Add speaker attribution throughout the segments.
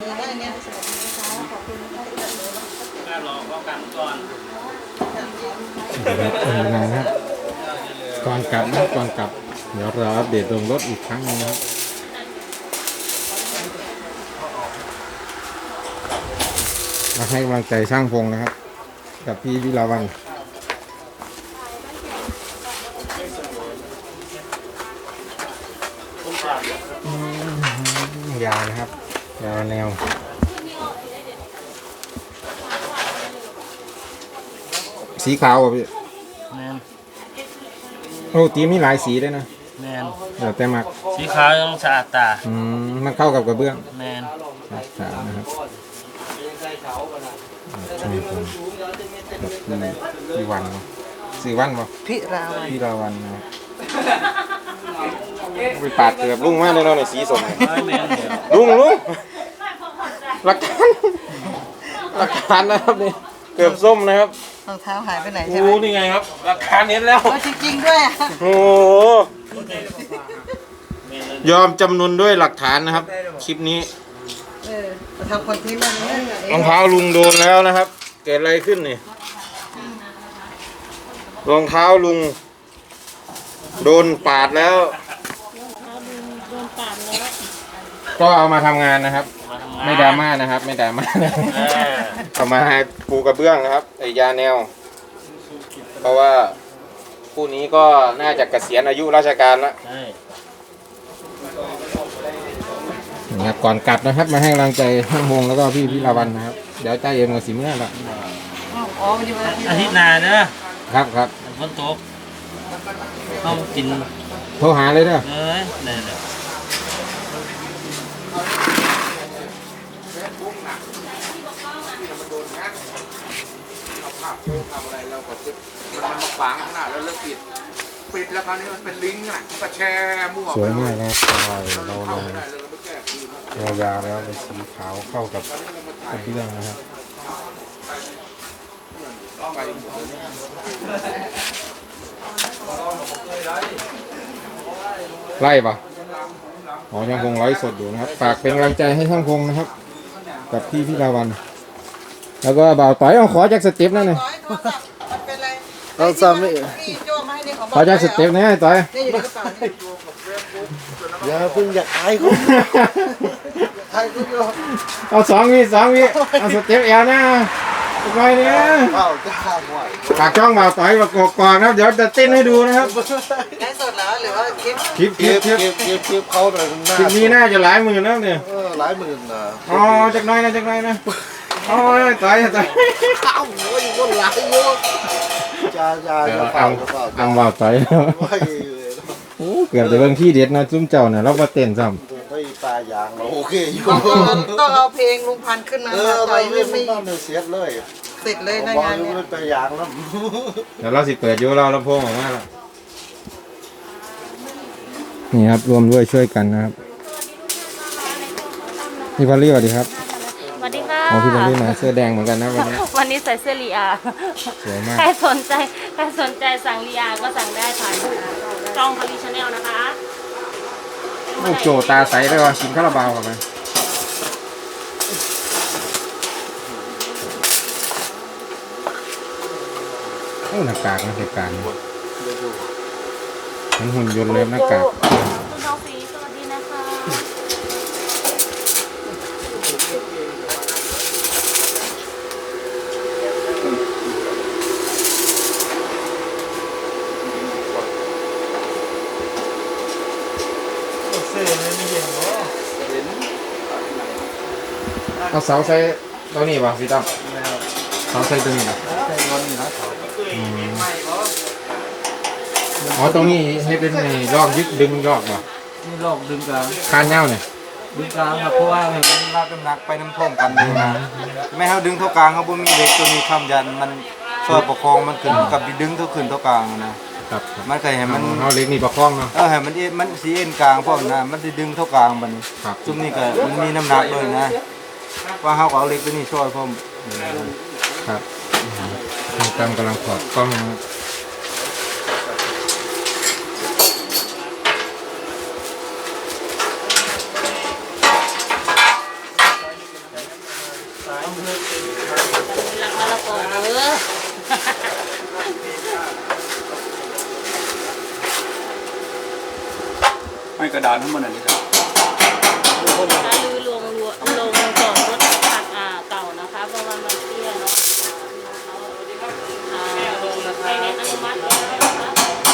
Speaker 1: รอป้องกันก่อน
Speaker 2: นะครับก่อนกลับนะก่อนกลับเดี๋ยวเราอัปเดตลงรถอีกครั้งนึงนะครับมาให้กำลังใจช่างพงนะครับกับพี่วิลาวันยาวนะครับยาวแนวสีขาวอ่ะพี่
Speaker 1: แมน
Speaker 2: โอ้ตีมีหลายสีด้วยนะ
Speaker 1: แมน
Speaker 2: เดี๋ยวแต่มัก
Speaker 1: สีขาวต้องสะอาดตา
Speaker 2: มันเข้ากับกระเบื้อง
Speaker 1: แมน
Speaker 2: ขาวนะครับพี่วันสื่อวันป่ะ
Speaker 3: พี่
Speaker 2: ราวันนะไปปาดเกือบลุงมากเลยเนาะในสีสมลุงหลักฐานนะครับนี่เกือบส้มนะครับ
Speaker 3: รองเท้าหายไปไหนใช่ไหม
Speaker 2: นี่ไงครับหลักฐานเห็นแล้ว
Speaker 3: จริงๆด้วย
Speaker 2: โอ้ยอมจำนวนด้วยหลักฐานนะครับคลิปนี้
Speaker 3: ทำคอนเทนต์อะไร
Speaker 2: รองเท้าลุงโดนแล้วนะครับเกิดอะไรขึ้นนี่รองเท้าลุงโดนปาดแล้วก็เอามาทำงานนะครับไม่ดราม่านะครับไม่ดราม่าเอามาปูกระเบื้องนะครับไอยาแนวเพราะว่าคู่นี้ก็น่าจะเกษียณอายุราชการแล้วนะครับก่อนกลับนะครับมาให้กำลังใจท่านมงแล้วก็พี่พิลาวันนะครับเดี๋ยวใจเย็นกับสิเมื่อละ
Speaker 1: อาทิตย์หน้าเนอะ
Speaker 2: ครับ
Speaker 1: ฝนตกต้องกิน
Speaker 2: โทรหาเลยเด้อ
Speaker 1: เนี่ย
Speaker 4: ทำอะไรเราก็มันมาขวางขนาดแล้วเลิกปิดแล้วคราวนี้มันเป็นลิงก์น่ะก็แชร์มั่ว
Speaker 2: สวยมากนะเรายาวแล้วเป็นสีขาวเข้ากับกระเบื้องนะครับไล่ปะอ๋อช่างพงไลฟ์สดอยู่นะครับฝากเป็นกำลังใจให้ช่างพงนะครับกับพี่พิลาวันแล้วก็บ่าวต่อยเอาขอจากสเต็ปนั่นเลย
Speaker 3: เราซ้ำไม่
Speaker 2: ขอจากสเต็ปนี่ต่อย
Speaker 3: อย่าเพิ่งอยากอายเขาอายเขาอยู่
Speaker 2: เอา2 วิเอาสเต็ปแอลนะไปเนี่ยฝากช่องบ่าวต่อยประกบก่อนครับเดี๋ยวจะเต้นให้ดูนะครับ
Speaker 3: ไลฟ์สดแล้วหรือว่าคลิป
Speaker 4: เขาหน่อย
Speaker 2: คลิปนี้น่าจะหลายหมื่นแล้วเนี่ย
Speaker 4: หลายหมื่นนะ
Speaker 2: อ๋อจากน้อยนะอ๋อต่อย
Speaker 4: ข้าวหัวอยู่บนหลังโยจ้า
Speaker 2: อังบ่าวต่อยโอ้เกือบจะเบิ่งที่เด็ดนะจุ้มเจ้าเนี่ยเรามาเต้นซ้
Speaker 4: ำไม่ปลายางเราโอเคอยู่
Speaker 3: ต้องเอาเพลงลุงพันขึ้นมาต่อย
Speaker 4: ไม่เสียเลย
Speaker 3: เสร็จเลยในงานเนี่ย
Speaker 4: ปลายางแล้ว
Speaker 2: เดี๋ยวเราสิเปิดอยู่เราลำโพงออกมาแล้วนี่ครับรวมด้วยช่วยกันนะครับพี่พอลลี่สวัสดีครับ
Speaker 5: สวัสดีค่ะ
Speaker 2: พี่พอลลี่มาเสื้อแดงเหมือนกันนะ
Speaker 5: วันนี้ใส่เสื้อลีอา
Speaker 2: สวยมาก
Speaker 5: ใครสนใจสั่งลีอาก็สั่งได้ผ่านช่องพอลลี่ชาแนลนะคะ
Speaker 2: ลูกโจตาใสได้ว่าชิมคาราบาวเข้าไปโอ้หน้ากากนะเหตุการณ์มันหุ่นยนต์เลยหน้ากาก
Speaker 5: คุณน้องฟีสวัสดีนะคะ
Speaker 2: เอาเสาใส่ตัวนี้ป่ะพี่ตั้มเสาใส่ตัวนี้ป่ะอ๋อตรงนี้ให้เป็นลอกยึดดึงลอกป่ะ
Speaker 1: นี่ลอกดึงกลาง
Speaker 2: คานเน่าเนี่ย
Speaker 1: ดึงกลางครับเพราะว่าเห็นมันลากน้ำหนักไปน้ำท่วมกันไม่ให้ดึงเท่ากลางเขาบ่มีเด็กตัวนี้คำยันมันช่วยประคองมันขึ้นกับดึงเท่าขึ้นเท่ากลางนะครับมันเคยเห็นมัน
Speaker 2: เอาเล็กนี่ประคองเนาะ
Speaker 1: เห็นมันสีเอ็นกลางพวกนั้นมันจะดึงเท่ากลางมันจุ่มนี่ก็มันมีน้ำหนักด้วยนะว่าเขาเอาเล็กตัวนี้ช่วยผม
Speaker 2: ครับกำลังถอดกล้อง
Speaker 5: หลักมะละกอเด้อ
Speaker 4: ไม่กระดานทั้งหมดอันนี้ครับ
Speaker 5: ถ้าลือลงจอดรถผักเก่านะคะเพราะว่ามันเตี้ยเนาะใครได้อนุมัติแล้วนะคะ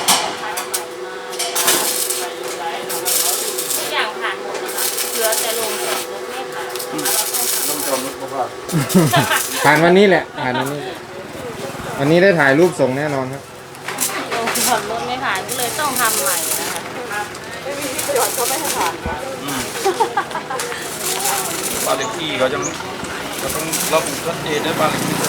Speaker 5: ทุกอย่างผ่านหมดนะคะเหลือแต่ลงจอดรถไม่ผ่าน
Speaker 4: ต้องจอมรถเพราะว่า
Speaker 2: ผ่านวันนี้แหละผ่านวันนี้วันนี้ได้ถ่ายรูปส่งแน่นอนครับ
Speaker 5: ลงจอดรถไม่ผ่านก็เลยต้องทำใหม่นะคะ
Speaker 4: บ้านเลขที่เขาจะต้องระบุชัดเจนด้วยบ้านเลขที่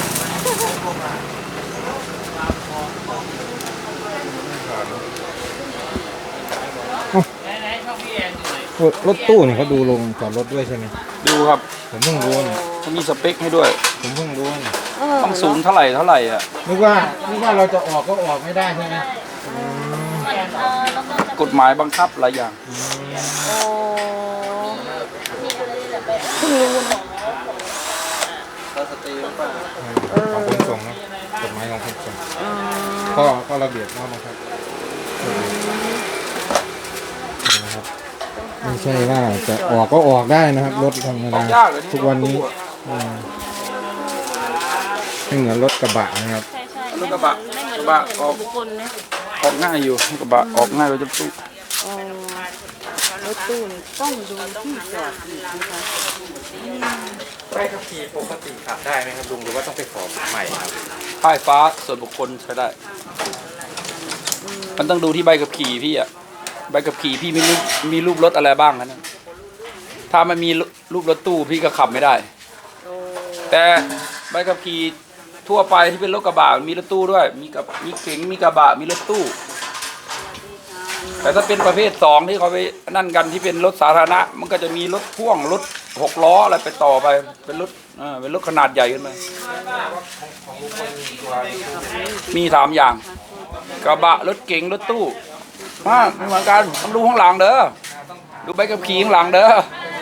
Speaker 2: รถตู้เนี่ยเขาดูลงจอดรถด้วยใช่ไหม
Speaker 4: ดูครับ
Speaker 2: ผมเพิ่งรู้เนี่ย
Speaker 4: เขามีสเปคให้ด้วย
Speaker 2: ผมเพิ่งรู้เนี่ย
Speaker 4: ต้องสูงเท่าไหร่อ่ะ
Speaker 2: นึกว่าเราจะออกก็ออกไม่ได้ใช่ไหม
Speaker 5: แล้วก็จะ
Speaker 4: กฎหมายบังคับหลายอย่าง
Speaker 5: โอ้นี่อะไรแบบเพิ่งรู้เนาะ
Speaker 2: ของขนส่งนะกฎหมายของขนส่งก็ระเบียบเข้ามาครับนะครับไม่ใช่ว่าจะออกก็ออกได้นะครับรถธรรมดาทุกวันนี้ไม่เหมือนรถกระบะนะครับ
Speaker 5: ใช่ใช่ไม่เหมือนบุคคลนะ
Speaker 4: ออกง่ายอยู่กระบะออกง่ายกว่าจะตู้
Speaker 6: รถตู้นี่ต้องดูที่จอดอีกนะคะ
Speaker 2: ใบขับขี่ปกติขับได้ไหมครับลุงหรือว่าต้องไปขอใหม่ครับ
Speaker 4: ป้ายฟ้าส่วนบุคคลใช้ได้ มันต้องดูที่ใบขับขี่พี่อ่ะใบขับขี่พี่มีรูปรถอะไรบ้างนะถ้ามันมีรูปรถตู้พี่ก็ขับไม่ได้ แต่ใบขับขี่ทั่วไปที่เป็นรถกระบะมีรถตู้ด้วยมีเก๋งมีกระบะมีรถตู้ แต่ถ้าเป็นประเภท2ที่เขาไปนั่นกันที่เป็นรถสาธารณะมันก็จะมีรถพ่วงรถ6 ล้ออะไรไปต่อไปเป็นรถขนาดใหญ่ขึ้นไปมี3อย่างกระบะรถเก๋งรถตู้ไม่เหมือนกันต้องดูข้างหลังเด้อดูใบขับขี่ข้างหลังเด้อ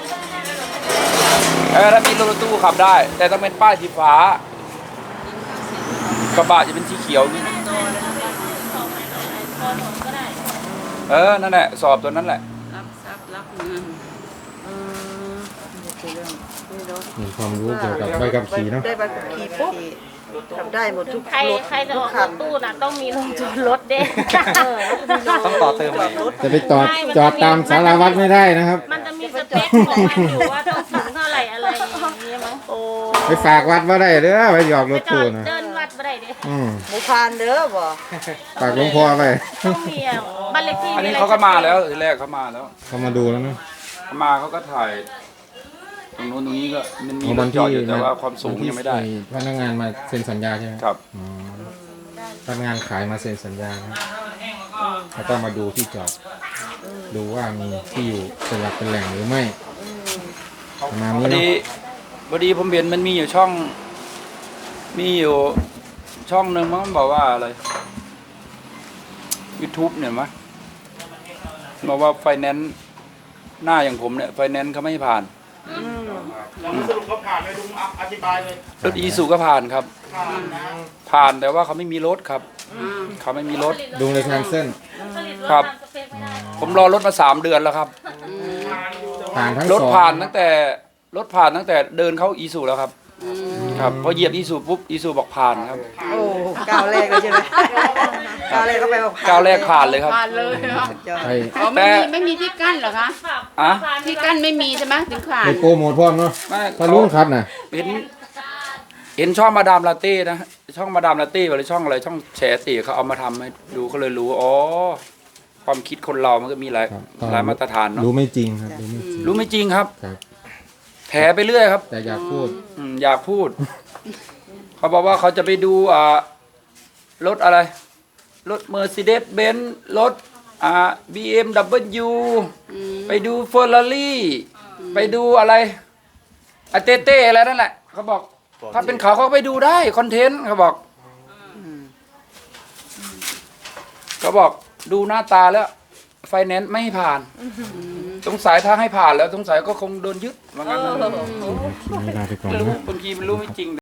Speaker 4: ถ้ามีรถตู้ขับได้ แต่ต้องเป็นป้ายสีฟ้ากระบะจะเป็นสีเขียวนี่นั่นแหละสอบตัวนั้นแหละ
Speaker 6: รับทรัพย์รับเงินนี่คือเรื่องนี่เนาะ
Speaker 2: มีความรู้เกี่ยวกับใบขับขี่เนาะ
Speaker 6: ได้ใบขับขี่ปุ๊บทำได้หมดทุก
Speaker 5: ใคร
Speaker 6: รถ
Speaker 5: ใครจะ
Speaker 6: ทุ
Speaker 5: อก อกร
Speaker 6: คัน
Speaker 5: ถตู้น่ะต้องมีลงจอดรถเด้
Speaker 3: ต้องต่อเติมใหม่
Speaker 2: จะไปจอดตามสารวัตรไม่ได้นะครับ
Speaker 5: มันจะมีสเปคของมันอยู่ว่าต้องสูงเท่าไหร่อะไรอย่างเงี้ยมั้ง
Speaker 6: โอ้
Speaker 2: ไปฝากวัดว่าได้เด้อไปหยอกร
Speaker 5: ไป
Speaker 2: ถ
Speaker 5: จอ
Speaker 2: ตู้
Speaker 5: ด
Speaker 2: นะ
Speaker 5: เดินวัดไม่ได้เด้
Speaker 6: หมูพานเด้อบ่
Speaker 2: ฝากหลวงพ่อไป
Speaker 5: ต้องมีบ้านเลขที่
Speaker 4: อันนี้เขาก็มาแล้วทีแรกเขามาแล้ว
Speaker 2: เขามาดูแล้วเนาะ
Speaker 4: เขามาเขาก็ถ่ายตรงนู้นตรงนี้ก็มันมีร
Speaker 2: วั
Speaker 4: ถ
Speaker 2: น
Speaker 4: จอ
Speaker 2: ที่
Speaker 4: ดอยู่แต่ว่าความสูงยังไม่ได้
Speaker 2: พนักงานมาเซ็นสัญญาใช่ไหม
Speaker 4: ครับ
Speaker 2: อ๋อพนักงานขายมาเซ็นสัญญานะแล้วก็มาดูที่จอดดูว่ามีที่อยู่เป็นหลักเป็นแหล่งหรือไม่ประมาณ
Speaker 4: พ
Speaker 2: นี้
Speaker 4: อ
Speaker 2: เนาะ
Speaker 4: ดีผมเห็นมันมีอยู่ช่องหนึ่งมันบอกว่าอะไร YouTube เนี่ยมั้ยบอกว่าไฟแนนซ์หน้าอย่างผมเนี่ยไฟแนนซ์เขาไม่ให้ผ่านสรุปเขาผ่านเลยลุงอธิบายเลยรถอีซูก็ผ่านครับ ผ่านแต่ว่าเขาไม่มีรถครับเขาไม่มีรถ
Speaker 2: ดูเลยแคนเซิล
Speaker 4: ครับ ผมรอรถมา3 เดือนแล้วครับ
Speaker 2: ผ่านทั้ง
Speaker 4: รถ
Speaker 2: สอง
Speaker 4: ผ่านตั้งแต่เดินเข้าอีซูแล้วครับครับพอเหยียบอีซูปุ๊บอีซูบอกผ่านครับ
Speaker 6: โอ้ก้าวแรกเลยใช่ไหมก้าวแรกก็ไปบอก
Speaker 4: ก้าวแรกผ่านเลยครับ
Speaker 7: ผ่านเลยเหรอ
Speaker 6: สุดยอด
Speaker 2: ไป
Speaker 7: อ๋อไม่มีที่กั้นเหรอคะ
Speaker 4: อะ
Speaker 7: ที่กั้นไม่มีใช่ไหมถึงผ่าน
Speaker 2: ไปโปรโมทพร้อมเนาะ
Speaker 4: ไม่
Speaker 2: พาลุงครับนะ
Speaker 4: เห็นช่องมาดามลาเต้นะช่องมาดามลาเต้หรือช่องอะไรช่องแฉตีเขาเอามาทำให้ดูเขาเลยรู้อ๋อความคิดคนเรามันก็มีหลาย
Speaker 2: ครับ
Speaker 4: หลายมาตรฐานเนาะ
Speaker 2: รู้ไม่จริงครับรู้ไม่จริง
Speaker 4: รู้ไม่จริงครับ
Speaker 2: ครับ
Speaker 4: แถไปเรื่อยครับ
Speaker 2: แต่อยากพูด
Speaker 4: อยากพูด เขาบอกว่าเขาจะไปดูรถอะไรรถ Mercedes Benz รถBMW ไปดู Ferrari ไปดูอะไรเต้อะไรนั่นแหละเขาบอกถ้าเป็นเขาก็ไปดูได้คอนเทนต์เขาบอกดูหน้าตาแล้วไฟแนนซ์ไม่ให้ผ่านสงสัยถ้าให้ผ่านแล้วสงสัยก็คงโดนยึดว่างั้นนะ
Speaker 6: คลิปนี้ลาไปก่อน
Speaker 4: ไม่รู้
Speaker 6: นะ
Speaker 4: บางทีมันรู้ไม่จริง